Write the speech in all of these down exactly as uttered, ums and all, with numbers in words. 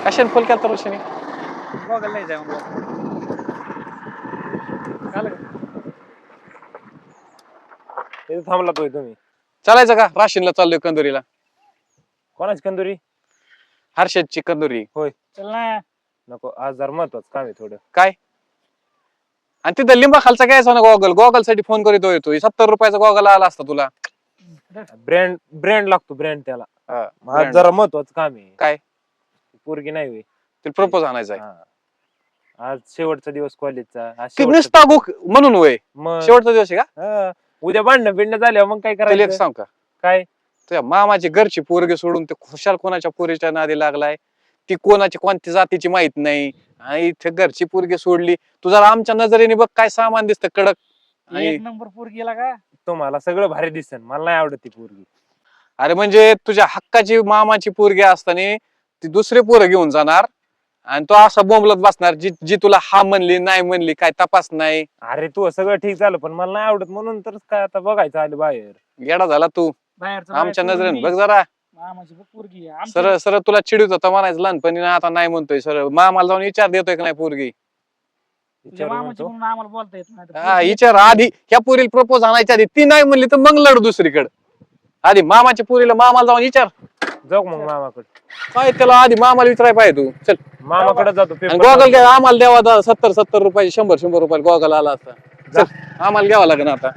कशाने फोन केला ऋषीने? बघायला नाही जाय म्हणलं. झालं का? इथे थांबला तोय तुम्ही. चालायचं का? राशीनला चाललोय कंदुरीला. कोणाची कंदुरी? हर्षदची कंदुरी. होय. चल ना. नको, आज जरा महत्वाचं काम आहे थोडं. काय? आणि तिथं लिंबा खालचा घ्यायचा ना गॉगल. गॉगल साठी फोन करीतो येतो. सत्तर रुपयाचा गॉगल आला असता तुला. ब्रँड ब्रँड लागतो ब्रँड त्याला. हा, आज brand. जरा महत्वाचं काम आहे. काय? पोरगी नाही होय. तिला प्रपोज आणायचा आहे. हा. आज शेवटचा दिवस कॉलेजचा. आज की शेवटचा नुसता गुक म्हणून होय. मग शेवटचा दिवस आहे का? हा. उद्या भांडणं बिंडणं झाल्यावर मग काय तुला एक करायचं? सांग का? काय? तुझ्या मामाची घरची पोरगी सोडून ते खुशाल कोणाच्या पोरीच्या नादी लागलाय. ती कोणाची कोणत्या जातीची माहित नाही आणि इथे घरची पोरगी सोडली. तू जरा आमच्या नजरेने बघ काय सामान दिसतं कडक. आणि एक नंबर पोर गेला का? तुम्हाला सगळं भारी दिसन, मला नाही आवडत ती पोरगी. अरे म्हणजे तुझ्या हक्काची मामाची पोरगी असताना ती दुसरे पोरं घेऊन जाणार आणि तो असा बोंबलत बसणार जी जी तुला हा म्हणली नाही म्हणली काय तपास नाही. अरे तू सगळं ठीक झालं पण मला नाही आवडत म्हणून तर काय आता बघायचं आलं बाहेर. गेडा झाला तू बाहेरचं आमच्या बाहेर नजरेने सोडून बघ जरा. मी. मामाची बघ पोरगी आहे. सरळ आमच्या- सरळ तुला चिडीत होता म्हणायचं लहानपणी ना आता नाही म्हणतोय सरळ मामाला जाऊन विचार देतोय का नाही पोरगी. तुझ्या विचारू मामाची म्हणतो. म्हणून आम्हाला बोलता येत नाही. तर हा पोरगी- विचार आधी ह्या पोरीला प्रपोज आणायच्या आधी ती नाही म्हणली तर मग लढ दुसरीकडे. आधी मामाच्या पोरीला मामाला जाऊन विचार. जाऊ मग मामाकडे. काय त्याला आधी मामाला विचाराय पाहिजे तू. चल मामाकडे जातो आणि पेपर गॉगल काय आम्हाला द्यावा दा- सत्तर सत्तर रुपये शंभर शंभर रुपये गॉगल आला असता. चल आम्हाला घ्यावा लागेल आता.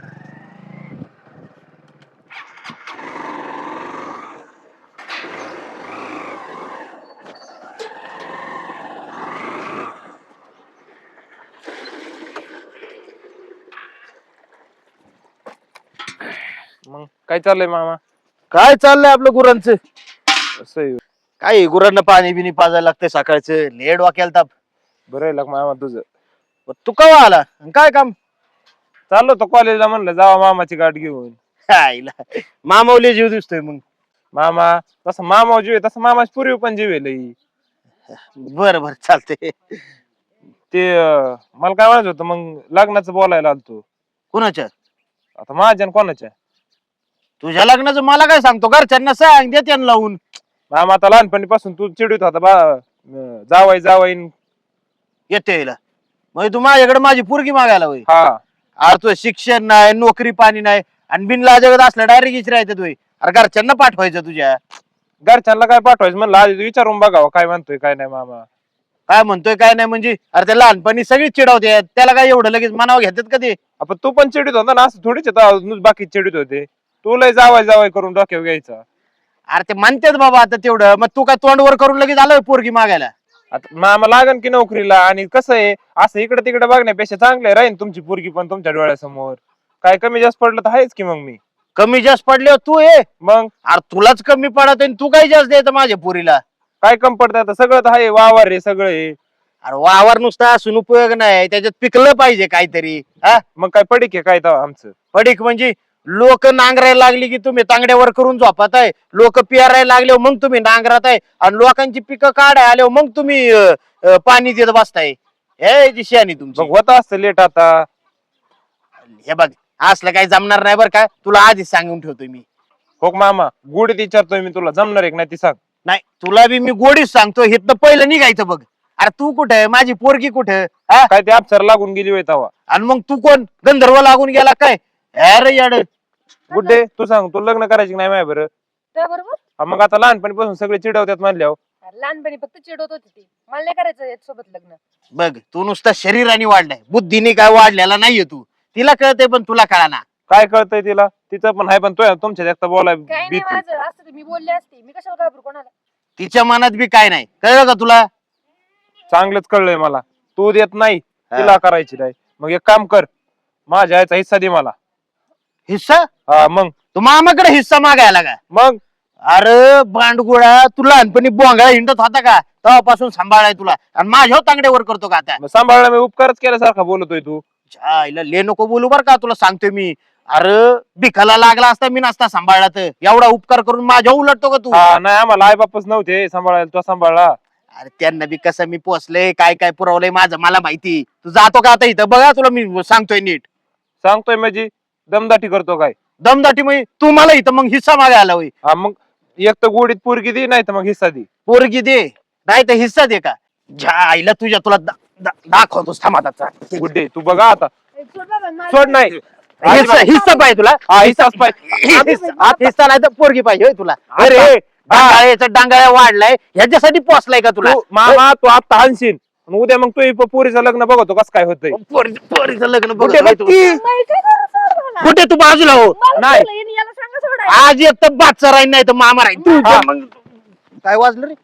मग काय चाललंय मामा? काय चाललंय आपलं गुरांचं? असं आहे. काय गुरांना पाणी बिनी पाजायला लागतंय सकाळचं. लेड वाक्याला ताप. बरं आहे लाग मामा तुझं. तू कवा आला आणि काय काम? चाललो तो कॉलेजला म्हणलं जावा मामाची गाठ घेऊन. आईला मामावले जीव दिसतोय मग. मामा तसं मामा जीव आहे तसं मामाची पूर्वी पण जीव आहे लई. बर बर चालतंय. ते अं, मला काय म्हणायचं होतं मग लग्नाचं बोलायला आलतो. कुणाच्या? आता माझ्या आणि कोणाच्या? तुझ्या लग्नाचं मला काय सांगतो? घरच्यांना सांग, दे त्यांना लावून. मामा आता लहानपणीपासून तू चिडीत होता बा अं, जावाई जावाई येते यायला म्हणजे तू माझ्याकडे माझी पोरगी मागायला होय. हा. अरे तुझं शिक्षण नाही, नोकरी पाणी नाही आणि बिनला जगत असलं डायरेक्ट इचरायचं तुय. अरे घरच्यांना पाठवायचं तुझ्या. घरच्यांना काय पाठवायचं म्हणलं आधी विचारून बघावं काय म्हणतोय काय नाही मामा. काय म्हणतोय काय नाही म्हणजे अरे त्या लहानपणी सगळीच चिडवते. त्याला काय एवढं लगेच मनावर घेतात का ते? आपण तू पण चिडीत होता ना असं थोडीच होता बाकी चिडीत होते. तू लय जावाय जावाय करून डोक्यावर घ्यायचा. अरे ते म्हणतात बाबा आता तेवढं मग तू काय तोंडवर करून लगेच आलोय पोरगी मागायला? आता मामा लागन की नोकरीला आणि कसं आहे असं इकडे तिकडे बघण्यापेक्षा चांगलं राहीन तुमची पोरगी पण तुमच्या डोळ्यासमोर. काय कमी जास्त पडलं तर आहेच की मग मी. कमी जास्त पडले तू ये. मग अरे तुलाच कमी पडत तू काही जास्त द्यायचं माझ्या पोरीला? काय कम पडतं आता सगळं तर आहे वावर आहे सगळं आहे. अरे वावर नुसता असून उपयोग नाही, त्याच्यात पिकलं पाहिजे काहीतरी. हा मग काय पडीक आहे काय तेव्हा आमचं. पडीक म्हणजे लोक नांगरायला लागली की तुम्ही तांगड्यावर करून झोपात आहे. लोक पियारायला लागले मग तुम्ही नांगरात आहे आणि लोकांची पिकं काढाय आले मग तुम्ही अं, अं, पाणी देत बसताय. हे जी शहाणी तुमची. मग होत असतं लेट आता. हे बघ असलं काही जमणार नाही बरं का, तुला आधीच सांगून ठेवतोय मी. हो मामा गुढीत विचारतोय मी तुला जमणार आहे का नाही ती सांग. नाही तुला बी मी गोडीच सांगतो, हिथनं पहिलं निघायचं बघ. अरे तू कुठे, माझी पोरगी कुठे? हा काय ते अप्सर लागून गेली होय तेव्हा. आणि मग तू कोण गंधर्व लागून गेला काय? अरे याड गुड्डे तू सांग तू लग्न करायची की नाही माय बरं. त्या बरोबर हा, मग आता लहानपणीपासून सगळे चिडवतात म्हणल्यावर. लहानपणी फक्त चिडवत होती ती, मला नाही करायचं याच्यासोबत लग्न. बघ तू नुसता शरीराने वाढलाय, बुद्धीने काय वाढलेला नाहीये तू. तिला कळतंय पण तुला कळाना. काय कळतंय तिला तिचं पण आहे पण तो तुमच्या एकटा बोलाय काय नाही भीती. माझं असतं ते मी बोलले असते, मी कशाला घाबरू कोणाला. तिच्या मनात बी काय नाही, कळलं का तुला? चांगलंच कळलंय मला. तू देत नाही तिला हा. करायची नाही मग एक काम कर माझ्या आईचा हिस्सा दे मला. हिस्सा? हा मग तू मामाकडे हिस्सा मागायला का? मग अरे बांडगुळा, तू लहानपणी बोंगळा हिंडत होता का? तेव्हापासून सांभाळाय तुला आणि माझ्या तांगड्यावर करतो का आता? मग सांभाळला मी उपकारच केल्यासारखा बोलतोय तू. आईला ले नको बोलू बर का, तुला सांगतोय मी. अरे भिकाला लागला असता मी नसता सांभाळला तर. एवढा उपकार करून माझ्या उलटतो का तू? हा नाही आम्हाला आई बापच नव्हते सांभाळायला तो सांभाळला. अरे त्यांना बी कसं मी पोचलंय, काय काय पुरवलंय माझं मला माहिती. तू जातो का आता इथं? बघा तुला मी सांगतोय नीट. सांगतोय म्हणजे दमदाटी करतो काय? दमदाटी म्हणजे तू मला इथं मग हिस्सा मागायला होय? हा मग एक तर गोडीत पोरगी दे नाही तर मग हिस्सा दे. पोरगी दे नाही तर हिस्सा दे का ज्या आईला तुझ्या तुला दा- दा- दाखवतोस थांबाचा गुड्डे तू बघा आता ए, सोड बाबा, मला- सोड नाही हिस्सा हिस्सा पाहिजे तुला हा हिस्साच पाहिजे हिस्सा हिस्सा नाही तर पोरगी पाहिजे होय तुला आता- अरे डांगाळ्याचा डांगाळ्या वाढलाय ह्याच्यासाठी पोचलाय का तुला तू मामा तू आता हानशील आणि उद्या मग तू पोरीचं लग्न बघतो कसं काय होतंय पोरी- पोरीचं लग्न बघ गुड्डे बघ की. नाही, काय करू सोड मला. कुठे तू बाजूला हो मला नाही. सोडलं, याने याला सांगा सोडायला. आज एक तर बादचा राहील नाही तर मामा राहील तू हा. मग काय वाजलं रे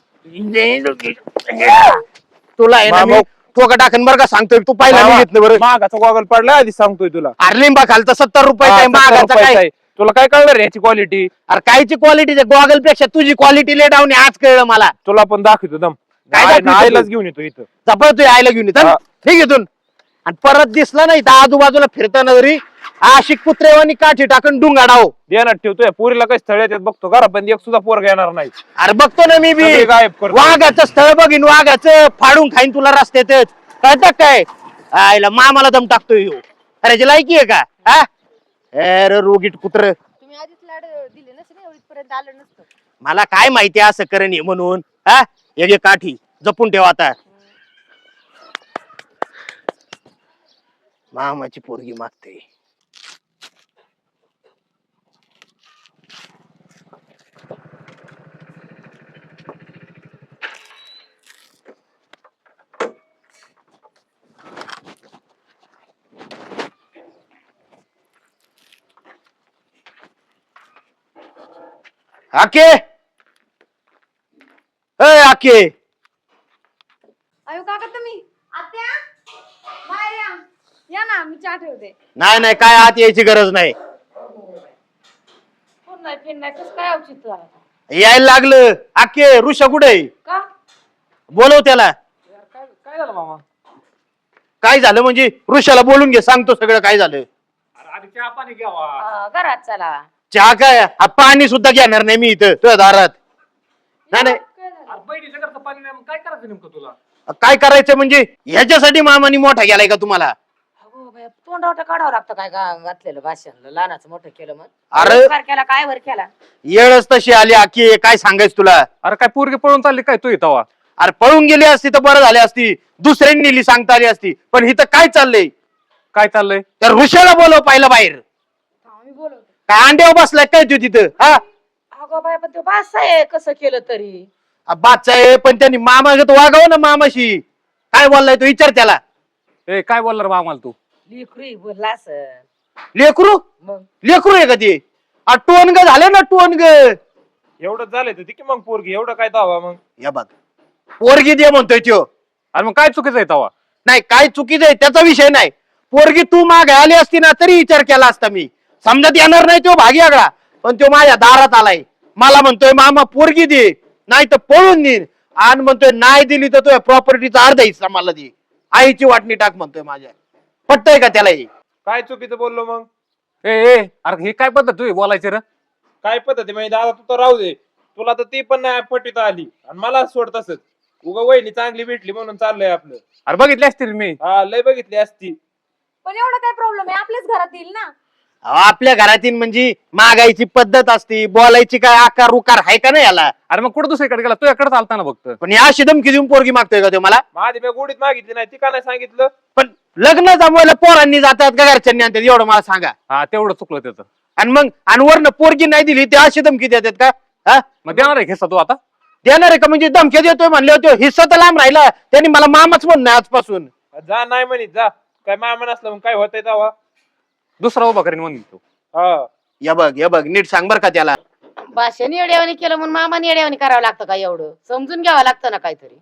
तुला आहे ना मामा- मी ठोका टाकन बरं का सांगतोय तू पहिला मामा, मी घेतलं बरं मागाचा गॉगल पडला आधी सांगतोय तुला अरे लिंबा खालचा सत्तर रुपये हा, काय सत्तर मागाचा रुपयाचा काय आहे. तुला काय कळणार याची क्वालिटी अरे कायची क्वालिटी गॉगल पेक्षा तुझी क्वालिटी ले डाऊन आज कळलं मला तुला पण दाखवतो दम काय आय- दाखवतो आईलाच तू? घेऊन येतो इथं जपळ तू आयला घेऊन येत हा. ठीक इथून आणि परत दिसला नाही तर आजूबाजूला फिरताना जरी आशिक कुत्रेवानी काठी टाकून डुंगाडाव देणार ठेवतोय पोरीला काही स्थळ येतात बघतो घरा पण एक सुद्धा पोरगा येणार नाही अरे बघतो ना मी बी सगळे गायब करतो. वाघाचं स्थळ बघीन वाघाचं फाडून खाईन तुला रस्त्यातच कळतं काय आईला मामाला दम टाकतोय ह्यो. अरे याची लायकी आहे का हा अरे रोगीट कुत्र तुम्ही आधीच लाड दिले नसते ना, एवढीपर्यंत आलं नसतं. मला काय माहिती असं करण हे म्हणून हा एक एक काठी जपून ठेवा आता मामाची पोरगी मागते आके ए आके अयो काका तुम्ही आत्या बाहेर या या ना मी चहा ठेवते. नाही नाही काय आत यायची गरज नाही कोण नाही फिर नाही कसं काय औचित्य झालं? यायला लागलं आके ऋषा कुठे का बोलव त्याला काय काय झालं मामा? काय झालं म्हणजे ऋषाला बोलून घे सांगतो सगळं काय झालं अरे आधी चहा पाणी घ्यावा. अं, घरात चला. चहा काय हा पाणी सुद्धा घेणार नाही मी इथं तुझ्या दारात नाही नाही काय झालं? अरे बहिणीच्या घरचं पाणी नाही, मग काय करायचं नेमकं तुला? काय करायचं म्हणजे ह्याच्यासाठी मामानी मोठा गेलाय का तुम्हाला अगो बाई, तोंडावटा काढावं लागतं काय गा- घातलेलं भाषण लहानाचं मोठं केलं मग अरे वर केला काय वर केला येळच तशी आली आकी काय सांगायचं तुला अरे काय पोरगी पळून चालली काय तू इथं वा? अरे पळून गेली असती तर बरं झाली असती दुसऱ्यांनी नेली सांगता आली असती पण इथं काय चाललंय काय चाललंय? त्या ऋषाला बोलव पाहिलं बाहेर थांबा, मी बोलवते. काय अंड्यावर बसलाय काय तू तिथं हा अगो बाय पण ते बास आहे कसं केलं तरी बादचा आहे पण त्यांनी मामागत वागाव ना मामाशी काय बोललाय तो विचार त्याला ए काय बोलणार बा आम्हाला तू? लिखरी बोलला असं लेकरू मग लेकरू आहे का ते टोनग झाले ना टोनग एवढं झालंय तर की मग पोरगी एवढं काय दावा मग या बघ पोरगी दे म्हणतोय त्यो अरे मग काय चुकीचं आहे तवा? नाही काय चुकीचं आहे त्याचा विषय नाही पोरगी तू मागे आली असती ना तरी विचार केला असता मी समजत येणार नाही तो भागी आगळा पण तो माझ्या दारात आलाय मला म्हणतोय मामा पोरगी दे नाही तर पळून दे आणि म्हणतोय नाही दिली तर तो प्रॉपर्टीचा अर्धा हिस्सा मला दे आईची वाटणी टाक म्हणतोय माझ्या पटतय का त्याला हे काय चुकीचं बोललो मग ए ए अरे हे काय पद्धत तुझी बोलायची रे? काय पद्धती म्हणजे दादा तू तर राहू दे तुला तर ती पण नाही पटीत आली आणि मला सोड तसंच उगा वहिनी चांगली भेटली म्हणून चाललंय आपलं अरे बघितली असतील मी. हा लय बघितली असती पण एवढं काय प्रॉब्लेम आहे, आपल्याच घरात येईल ना. अहो, आपल्या घरातील म्हणजे मागायची पद्धत असती बोलायची काय आकार उकार आहे का नाही याला अरे मग कुठं दुसरीकडे गेला? तुझ्याकडे चालता ना फक्त. पण या धमकी देऊन पोरगी मागतोय का तो मला माझी मी गोडीत मागितली नाही ती का नाही सांगितलं पण लग्न जमवायला पोरांनी जातात का घरच्यांनी आणतात एवढं मला सांगा हा तेवढं चुकलं त्याचं. आणि मग आणि वरनं पोरगी नाही दिली ते अशी धमकी देतात का हा मग देणार आहे घेसा तू आता? देणार आहे का म्हणजे धमकी देतोय म्हणले होते हिस्सा तर लांब राहिला त्यांनी मला मामाच म्हणणं आजपासून जा नाही म्हणित जा काय मामा नसलं मग काय होतंय तेव्हा दुसरा उभा करीन म्हणून तू. हा या बघ या बघ नीट सांग बर का त्याला भाषण येड्यावानी केलं म्हणून मामाने येड्यावानी करावं लागतं का एवढं समजून घ्यावं लागतं ना काहीतरी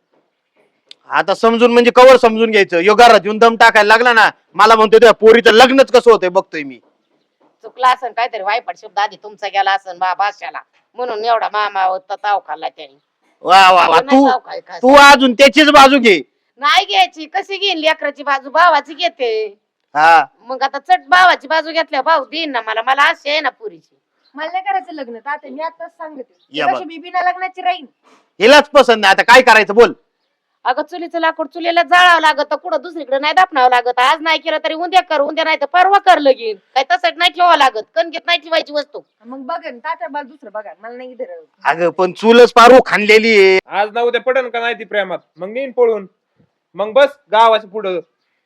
आता समजून म्हणजे कवर समजून घ्यायचं यो घरात येऊन दम टाकायला लागला ना मला म्हणतोय त्या पोरीचं लग्नच कसं होतंय बघतोय मी चुकला असन काहीतरी वायपट शब्द आधी तुमचा गेला असन बा भाषाला म्हणून एवढा मामा होता ताव खाल्ला त्याने वा वा वा नाही तू ताव खाय का? तू अजून त्याचीच बाजू घे नाही घ्यायची कशी घेईन लेकराची बाजू भावाची घेते हा मग आता चट भावाची बाजू घेतल्या भाऊ देईन ना मला मला अशी आहे ना पुरीची मला नाही करायचं लग्न तात्या, मी आताच सांगते या बघ. कशी मी बिना लग्नाची राहीन. हिलाच पसंत नाही आता काय करायचं बोल अगं चुलीचं लाकूड चुलीला जाळावं लागत कुठं दुसरीकडे नाही दापणावं लागत आज नाही केलं तरी उद्या कर उद्या नाही तर परवा कर लगीन काय तसं नाही ठेवावं लागत कणकेत नाही ठेवायची वस्तू मग बघेन तात्या मला दुसरं बघा मला नाही इथे राहू. अगं पण चूलच पारू खाणलेली आहे. आज ना उद्या पडन का नाही ती प्रेमात मग नेईन पळून मग बस गावाच्या पुढं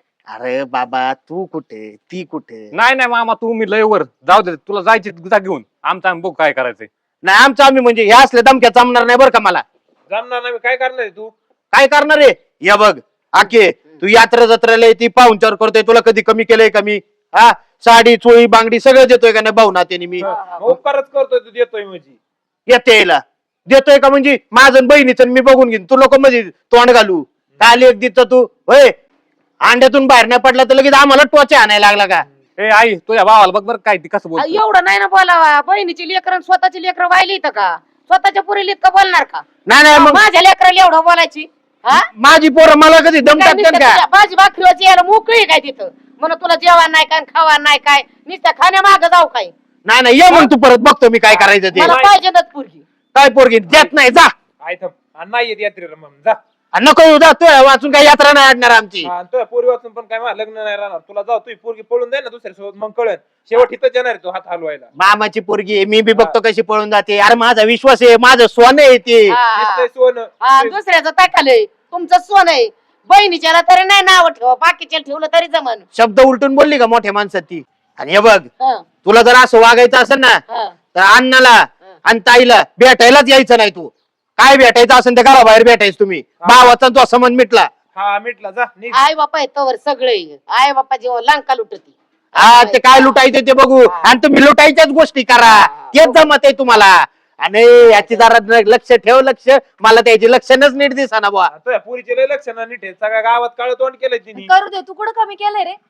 अरे बाबा तू कुठे ती कुठे नाही नाही मामा तू मी लय वर जाऊ दे तुला जायची जा घेऊन आमचा आम्ही बघू काय करायचंय. नाही आमचं आम्ही म्हणजे हे असले दमक्या जमणार नाही बरं का मला. जमणार नाही काय करणार आहे तू काय करणार आहे या बघ आके तू यात्रा जत्रेला ती पाहुणचार करतोय तुला कधी कमी केलंय का मी हा साडी चोळी बांगडी सगळं देतोय का नाही भाऊ नात्याने मी मग उपकारच करतोय तू देतोय म्हणजे येते यायला देतोय का म्हणजे माझं आणि बहिणीचं मी बघून घेईन तू लोक म्हणजे तोंड घालू काय लेख देत तू होय अंड्यातून बाहेर नाही पडला तर लगेच आम्हाला टोचे आणायला लागला का. ए आई तुझ्या भावाला बघ बरं काय ती कसं बोल एवढं नाही ना बोलावा बहिणीची लेकरं स्वतःची लेकरं व्हायली इथं का स्वतःच्या पुरीला इतकं बोलणार का नाही नाही मग माझ्या लेकराला एवढं बोलायची हा माझी पोरं मला कधी दम काय टाकतात नुसतं का तुझ्या भाजी भाकरीवरची यायला मोकळी काय तिथं म्हणून तुला जेवण नाही काय खावा नाही काय नुसतं खाण्या माग जाऊ काय नाही नाही ये मग तू परत बघतो मी काय करायचं ते मला पाहिजे ना पुरगी काय पोरगी देत नाही जा आय थांब आणि नाही येत यात्रेला मग जा आणि नको येऊ जा तू वाचून काही यात्रा नाही आणणार आमची. हा, आणि तुझ्या पोरी वाचून पण काय माझं लग्न नाही राहणार तुला जाऊ तुझी पोरगी पळून दे ना दुसऱ्या सोबत मग कळन शेवट इथंच येणार आहे तू हात हलवायला मामाची पोरगी आहे, मी बी बघतो कशी पळून जाते. अरे माझा विश्वास आहे माझं सोनं आहे ते. हा. दिसतंय सोनं हा, दुसऱ्याचं टाकालंय तुमचं सोन आहे बहिणीच्याला तरी नाही नाव ठेव बाकीच्या ठेवलं तरी जमन शब्द उलटून बोलली का मोठ्या माणसात ती. आणि हे बघ हं, तुला जर असं वागायचं असेल ना हं. तर अण्णाला आणि ताईला भेटायलाच यायचं नाही तू. काय भेटायचं असेल तर घराबाहेर भेटायचं तुम्ही. भावाचा तो संबंध मिटला. हा मिटला जा निघ. आई बापा येतोवर सगळे आई बापा जेव्हा लंका लुटती हा ते काय लुटायचं ते बघू आणि तुम्ही लुटायच्याच गोष्टी करा तेच जमत आहे तुम्हाला. आणि याची जरा लक्ष ठेव लक्ष मला त्याची लक्षणच नीट दिसा बुवा. तुझ्या पोरीचे लय लक्ष ना नीट आहे. सगळ्या गावात काळ तोंड केलंय तिने करू दे तू कुठं कमी केलंय रे.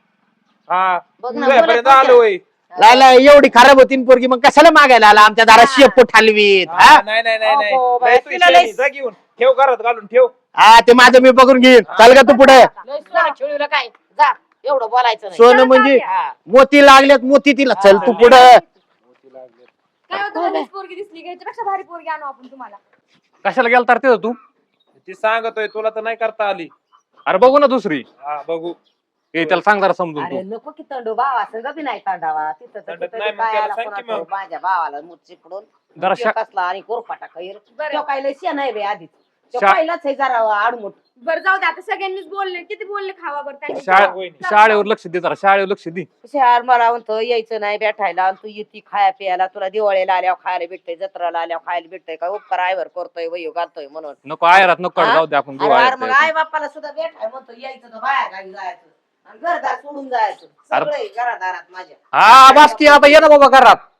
हा बघ ना, तुझ्यापर्यंत बोलत आलो होय. लायला एवढी खराब होती न पोरगी मग कशाला मागायला आला आमच्या दारा शेपूट हलवीत. हा, हा नाही नाही नाही नाही अहो, बाई, लय तू तिला शेणी, लय- जा घेऊन ठेव घरात घालून ठेव हा ते माझं मी बघून घेईन. चाल का तू पुढे. लय सोनं खेळूला काय जा एवढं बोलायचं नाही सोनं म्हणजे हा. मोती लागल्यात मोती तिला. चल तू पुढे. काय होतं मध्येच पोरगी दिसली का ह्याच्यापेक्षा भारी पोरगी आणू आपण तुम्हाला. कशाला गेला तर तिथं तू ती सांगतोय तुला तर नाही करता आली. अरे बघू ना दुसरी हा बघू ए त्याला सांग जरा समजून अरे तू नको की तंडू भावा संग बी नाही तंडावा तिथं तर तंडत तिथं नाही, बी मग काय त्याला आला सांग की कोणाचा मग. माझ्या भावाला मुठी पडून जरा त्यो शा- कसला आणि कोरफाटा खैर बरं. तो काय लय शेण आहे बे आधीच तो शा- पहिलाच आहे जरा आडमुठ बरं जाऊ दे आता सगळ्यांनीच बोलले किती बोलले खावा बरं त्यांनी. शाळे- वहिनी. शाळेवर लक्ष दे जरा शाळेवर लक्ष दे. शहर मला म्हणतो यायचं नाही भेटायला आणि तू येते खाया प्यायला तुला दिवाळीला आल्यावर खायला भेटतंय जत्राला आल्यावर खायला भेटतंय काय उपकार आयवर करतोय वयो घालतोय म्हणून नको आयरात नको हा? जाऊ दे आपण अरे घेऊ अरे मग आयरात. आई बापाला सुद्धा भेटाय म्हणतो यायचं तर बाहेर गावी जायचं आणि घरदार सोडून जायचं सगळे घरादारात माझ्या हा बास की आता ये ना बाबा घरात